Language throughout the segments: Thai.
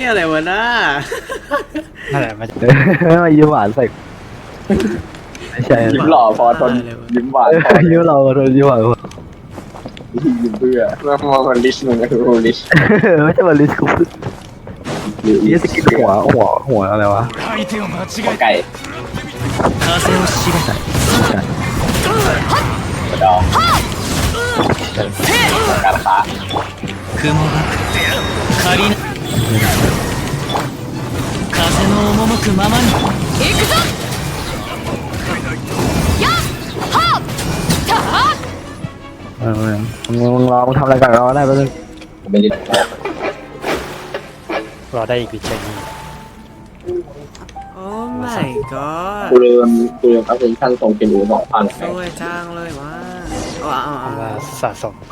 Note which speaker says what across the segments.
Speaker 1: อะไรวะน้า
Speaker 2: นั่นแหละมัน
Speaker 3: มายิ้มหวานใส่ไม่ใช่
Speaker 4: ยิ้มหล่อพอทนยิ้มหวานพอ
Speaker 3: ยิ้มเราทนยิ้มหวาน
Speaker 4: ยิ้มเพื่อแล้วมองคนลิชมึงก็คือลิช
Speaker 3: ไม่ใช่มาลิสกูนี่สกินหัวอะไรวะ
Speaker 4: หัวไก่กระดองการค้า
Speaker 2: 雲が仮な風の赴くままに行くぞやっはった
Speaker 3: มึงรอมึงทำอะไรกันเราได้ปะนึง
Speaker 4: ไม่ได้
Speaker 2: รอได้อีกวิจัยนี้
Speaker 1: โอ้ my god
Speaker 4: กูเริ่มอัพเดทขั้นตรงเป็นอู่2,000
Speaker 1: สวยจังเลยว่ะ
Speaker 2: ว่าสะสม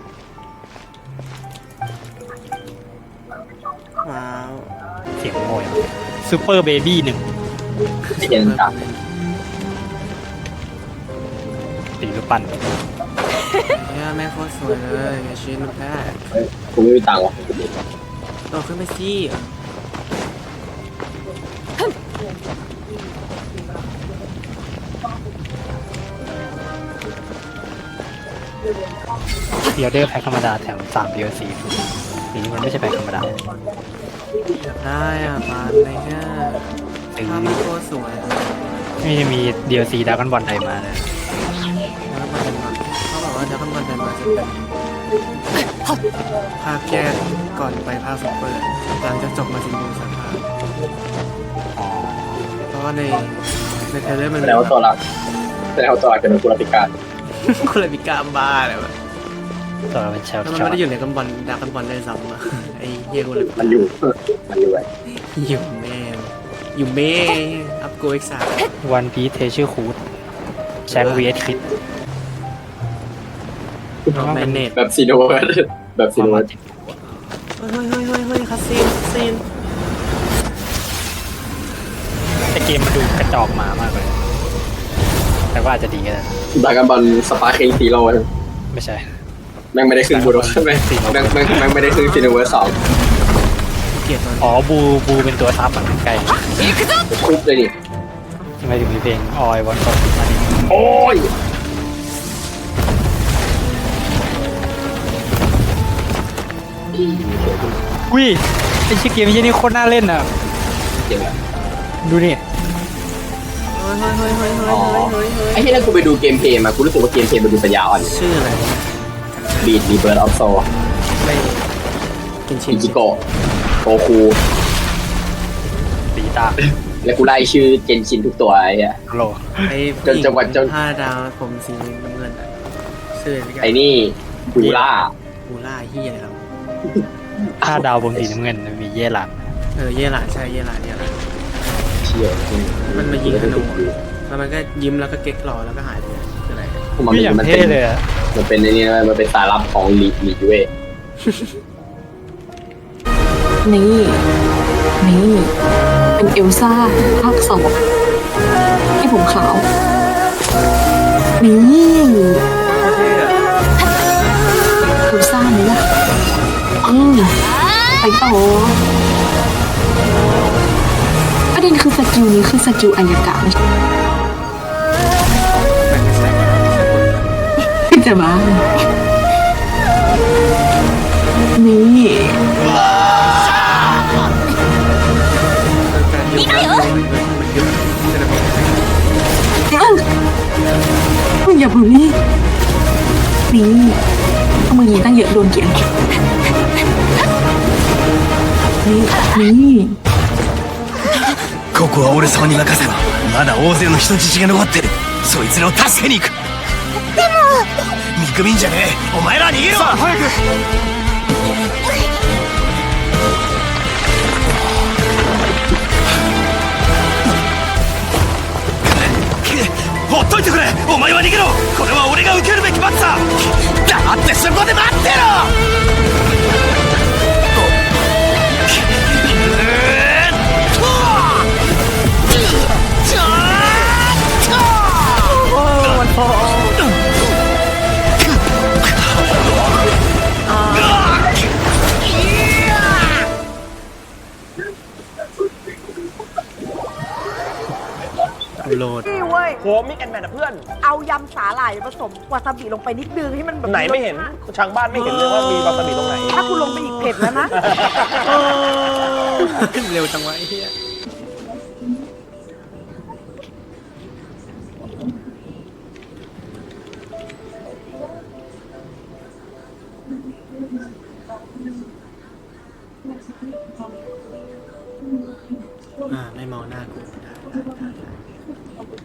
Speaker 1: ว้าว
Speaker 2: เสียงโมยซูเปอร์เบบี้1
Speaker 4: ที่เห็นจับ
Speaker 2: ตีรูปปั้น
Speaker 1: เนี่ยแม่งโคตรสวยเลยชิ้นแค่
Speaker 4: กูไม่มีตังค์วะ
Speaker 1: โตขึ้นไปสิ
Speaker 2: เดียวเดอร์แพ็คธรรมดาแถม3 DLC ทีนี้มันไม่ใช่แพ็คธรรมดา
Speaker 1: ได้อ่ะปานอะไรเงี้ยภาพมันโคตรสวย
Speaker 2: ไม่ได้มี DLC ดราก้อนบอลไทยมานะ
Speaker 1: แล้วมันเป็นแบบเขาบอกว่าดราก้อนบอลไทยมาจะเป็นภาคแยกก่อนไปภาคซุปเปอร์หลังจากจบมาถึงดูสภาพเพราะว่าในเทเลอร์มัน
Speaker 4: แล้วตัวหลักเป็นกุลติการ
Speaker 1: คุณเลยมีกล้ามบ้าเลยวะ
Speaker 2: ตัวเราเป็นแชล
Speaker 1: มันไม่ได้อยู่ในกันบอลดากันบอลได้ซ้ำอ่ะไอ้เฮียกูเลย
Speaker 4: มันอยู่ไว้
Speaker 1: อยู่แม่อัพโกอีก3
Speaker 2: วันพีเทชื่อคูดแชมป์ vs คริส
Speaker 1: แมนเนต
Speaker 4: แบบซีโนเ
Speaker 1: ฮ้ยคัสซีน
Speaker 2: แต่เกมมันดูกระจอกหมามากเลยแต่ว่าอาจจะดีก็ได้
Speaker 4: ดราก้อนบอลสปาร์คิงซีโร่
Speaker 2: ไม่ใช่
Speaker 4: แม่งไม่ได้ขึ้นบูโรใช่ไหมแม่งไม่ได้ขึ้นซีโนเวอร์2
Speaker 2: อ๋อบูเป็นตัวทับอ่ะไกล
Speaker 4: คุบเลยดิ
Speaker 2: ทำไมถึงมีเพลงออยวันก่อนมาดิ
Speaker 4: โอ้ย
Speaker 2: อุ้ยไอชื่อเกมยี่นี่โคตรน่าเล่นอ่ะดูนี่
Speaker 4: ไอ้ที่นั่นกูไปดูเกมเพลย์มากูรู้สึกว่าเกมเพลย์มันดูปัญญาอ่อน
Speaker 1: ชื่ออะไร
Speaker 4: บีดรีเบิร์ดออฟโซ
Speaker 1: ไม่กินชิ
Speaker 4: อิจิโกะโกคู
Speaker 2: ปีตา
Speaker 4: แล้วกูไล่ชื่อเจนชินทุกตัวไอ้เหี้ย
Speaker 2: โล
Speaker 1: ไอ้จังหวัด5 ดาวผมสีน้ำเงินชื่อ
Speaker 4: ไอ้นี่บูล่า
Speaker 1: เฮียครับ
Speaker 2: 5 ดาวผมสีน้ำเงินมีเย่หลัง
Speaker 1: เย่หลังใช่เย่หลัง
Speaker 4: เชี่ย
Speaker 1: มันมายิงธนูแล้วมันก็ยิ้มแล้วก็เก๊กหล่อแล้วก็หายไปคืออะไร
Speaker 2: พี่อย่างเท่เลยอ่ะ
Speaker 4: มันเป็นในนี้นะมันเป็นสายลับของลีเว่
Speaker 5: นี่เป็นเอลซ่าภาค2ที่ผมขาวนี่เอลซ่านี่ล่ะไปต่อประเด็นคือสกิลนี้คือสกิลอายกะไม่จะมานี่มึงอย่าบูลลี่นี่เอามือยิงตั้งเยอะโดนเกี่ยงนี่
Speaker 6: ここは俺様に任せろ。まだ大勢の人質が残ってる。そいつらを助けに行く。でも見くびんじゃねえ。お前ら逃げろ。さあ早く。ほっといてくれ。お前は逃げろ。これは俺が受けるべき罰だ。黙ってそこで待ってろ。
Speaker 1: โหลด
Speaker 7: นี่เว้ย
Speaker 8: โหมิกแอนแมนนะเพื่อน
Speaker 7: เอายำสาหร่ายผสมวาซาบิลงไปนิดนึงให้มันแบบ
Speaker 8: ไหนไม่เห็นทางบ้านไม่เห็นเลยว่ามีวาซาบิตรงไหน
Speaker 7: ถ้าคุณลงไปอีกเผ็ดแล้วนะ
Speaker 1: เร็วจังวะไอ้เหี้ยไม่มองหน้ากูได้